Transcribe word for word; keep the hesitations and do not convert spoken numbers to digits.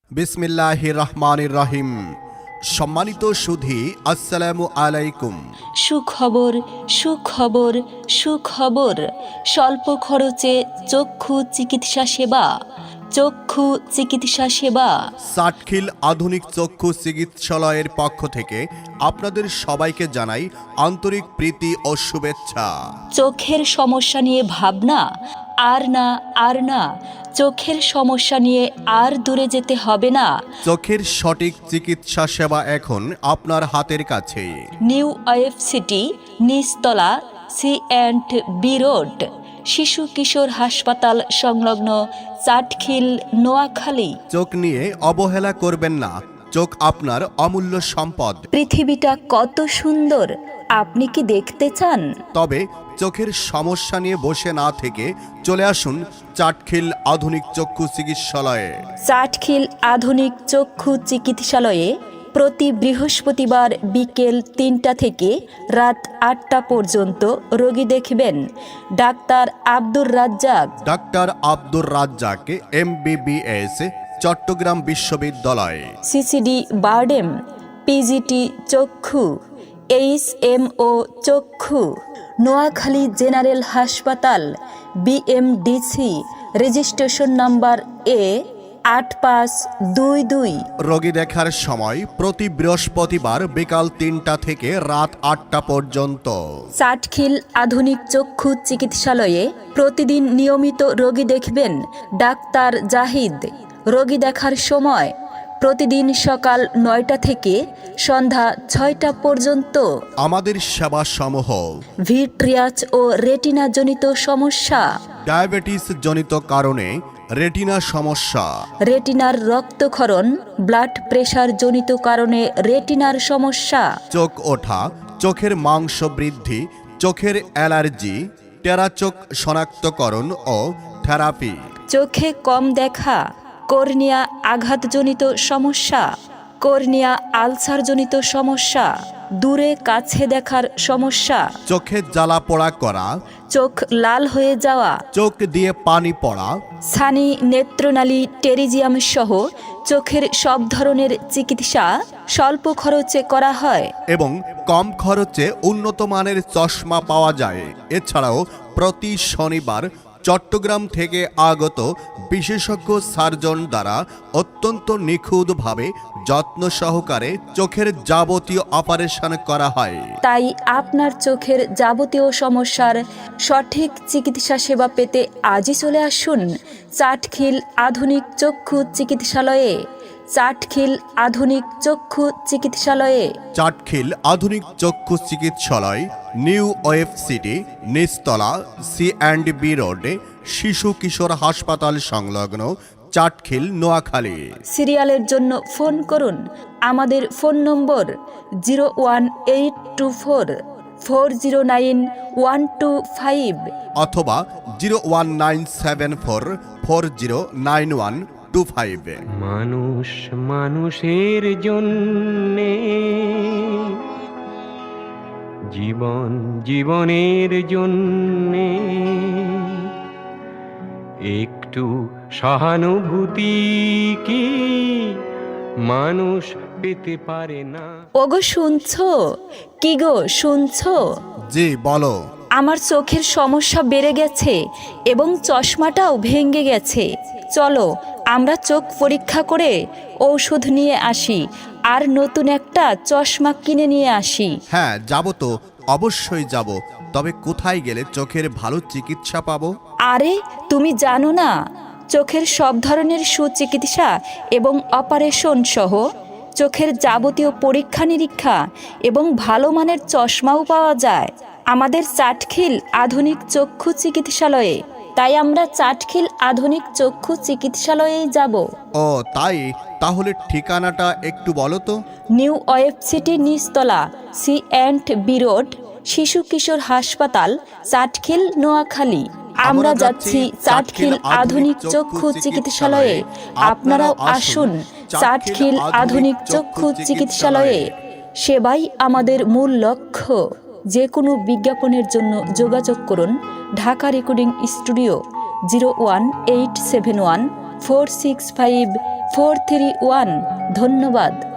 বিসমিল্লাহির রহমানির রহিম। সম্মানিত সুধী, আসসালামু আলাইকুম। সুখবর সুখবর সুখবর স্বল্প খরচে চক্ষু চিকিৎসা সেবা চক্ষু চিকিৎসা সেবা সাটখিল আধুনিক চক্ষু চিকিৎসালয়ের পক্ষ থেকে আপনাদের সবাইকে জানাই আন্তরিক প্রীতি ও শুভেচ্ছা। চোখের সমস্যা নিয়ে ভাবনা আর না আর না চোখের সমস্যা নিয়ে আর দূরে যেতে হবে না। চোখের সঠিক চিকিৎসা সেবা এখন আপনার হাতের কাছে। নিউ ওয়েব সিটি, নিচতলা, সি অ্যান্ড বি রোড, শিশু কিশোর হাসপাতাল সংলগ্ন, চাটখিল, নোয়াখালী। চোখ নিয়ে অবহেলা করবেন না, চোখ আপনার অমূল্য সম্পদ। পৃথিবীটা কত সুন্দর, আপনি কি দেখতে চান? তবে চোখের সমস্যা নিয়ে বসে না থেকে চলে আসুন চাটখিল আধুনিক চক্ষু চিকিৎসালয়ে। চাটখিল আধুনিক চক্ষু চিকিৎসালয়ে প্রতি বৃহস্পতিবার বিকেল তিনটা থেকে রাত আটটা পর্যন্ত রোগী দেখবেন ডাক্তার আব্দুর রাজ্জাক। ডাক্তার Abdur Razzak, M B B S, Chittagong বিশ্ববিদ্যালয়। সিসিডি বারডেম, পিজিটি চক্ষু, এইচ এম ও চক্ষু, নোয়াখালী জেনারেল হাসপাতাল, বিএমডিসি, রেজিস্ট্রেশন নাম্বার এ আট পাঁচ দুই দুই। রোগী দেখার সময় প্রতি বৃহস্পতিবার বিকাল তিনটা থেকে রাত আটটা পর্যন্ত। চাটখিল আধুনিক চক্ষু চিকিৎসালয়ে প্রতিদিন নিয়মিত রোগী দেখবেন ডাক্তার জাহিদ। রোগী দেখার সময় প্রতিদিন সকাল নয়টা থেকে সন্ধ্যা ছয়টা পর্যন্ত। আমাদের সেবা সমূহ: ভিট্রিয়াস ও রেটিনা জনিত সমস্যা, ডায়াবেটিস জনিত কারণে রেটিনা সমস্যা, রেটিনার রক্তক্ষরণ, ব্লাড প্রেশার জনিত কারণে রেটিনার সমস্যা, চোখ ওঠা, চোখের মাংস বৃদ্ধি, চোখের অ্যালার্জি, টেরা চোখ শনাক্তকরণ ও থেরাপি, চোখে কম দেখা, কর্নিয়া আঘাতজনিত সমস্যা, কর্নিয়া আলসারজনিত সমস্যা, দূরে কাছে দেখার সমস্যা, চোখে জ্বালা পোড়া করা, চোখ লাল হয়ে যাওয়া, চোখ দিয়ে পানি পড়া, ছানি, নেত্রনালী, টেরিজিয়াম সহ চোখের সব ধরনের চিকিৎসা স্বল্প খরচে করা হয় এবং কম খরচে উন্নত মানের চশমা পাওয়া যায়। এছাড়াও প্রতি শনিবার চট্টগ্রাম থেকে আগত বিশেষজ্ঞ সার্জন দ্বারা অত্যন্ত নিখুঁতভাবে যত্ন সহকারে চোখের যাবতীয় অপারেশন করা হয়। তাই আপনার চোখের যাবতীয় সমস্যার সঠিক চিকিৎসা সেবা পেতে আজই চলে আসুন চাটখিল আধুনিক চক্ষু চিকিৎসালয়ে। চাটখিল আধুনিক চক্ষু চিকিৎসালয়ে। চাটখিল আধুনিক চক্ষু চিকিৎসালয়, নিউ ওয়েব সিটি, নিচতলা, সি অ্যান্ড বি রোডে, শিশু কিশোর হাসপাতাল সংলগ্ন, চাটখিল, নোয়াখালী। সিরিয়ালের জন্য ফোন করুন আমাদের ফোন নম্বর zero one eight two four four zero nine one two five অথবা zero one nine seven four four zero nine one two five. মানুষ মানুষের জন্যে, জীবন জীবনের জন্যে একটু সহানুভূতি কি মানুষ পেতে পারে না? ওগো শুনছো? কি গো শুনছো? জি বলো। আমার চোখের সমস্যা বেড়ে গেছে এবং চশমাটাও ভেঙে গেছে। চলো আমরা চোখ পরীক্ষা করে ঔষধ নিয়ে আসি আর নতুন একটা চশমা কিনে নিয়ে আসি। হ্যাঁ যাব তো, অবশ্যই যাব। তবে কোথায় গেলে চোখের ভালো চিকিৎসা পাবো? আরে তুমি জানো না, চোখের সব ধরনের সুচিকিৎসা এবং অপারেশন সহ চোখের যাবতীয় পরীক্ষা নিরীক্ষা এবং ভালো মানের চশমাও পাওয়া যায় আমাদের চাটখিল আধুনিক চক্ষু চিকিৎসালয়ে। তাই আমরা চাটখিল আধুনিক চক্ষু চিকিৎসালয়েই যাব। ও তাই, তাহলে ঠিকানাটা একটু বলো তো। নিউ ওয়েব সিটি, নিচতলা, সি অ্যান্ড বি রোড, শিশু কিশোর হাসপাতাল, চাটখিল, নোয়াখালী। আমরা যাচ্ছি চাটখিল আধুনিক চক্ষু চিকিৎসালয়ে। আপনারাও আসুন চাটখিল আধুনিক চক্ষু চিকিৎসালয়ে। সেবাই আমাদের মূল লক্ষ্য। যে কোনো বিজ্ঞাপনের জন্য যোগাযোগ করুন Dhaka recording studio, zero one eight seven one four six five four three one. ধন্যবাদ।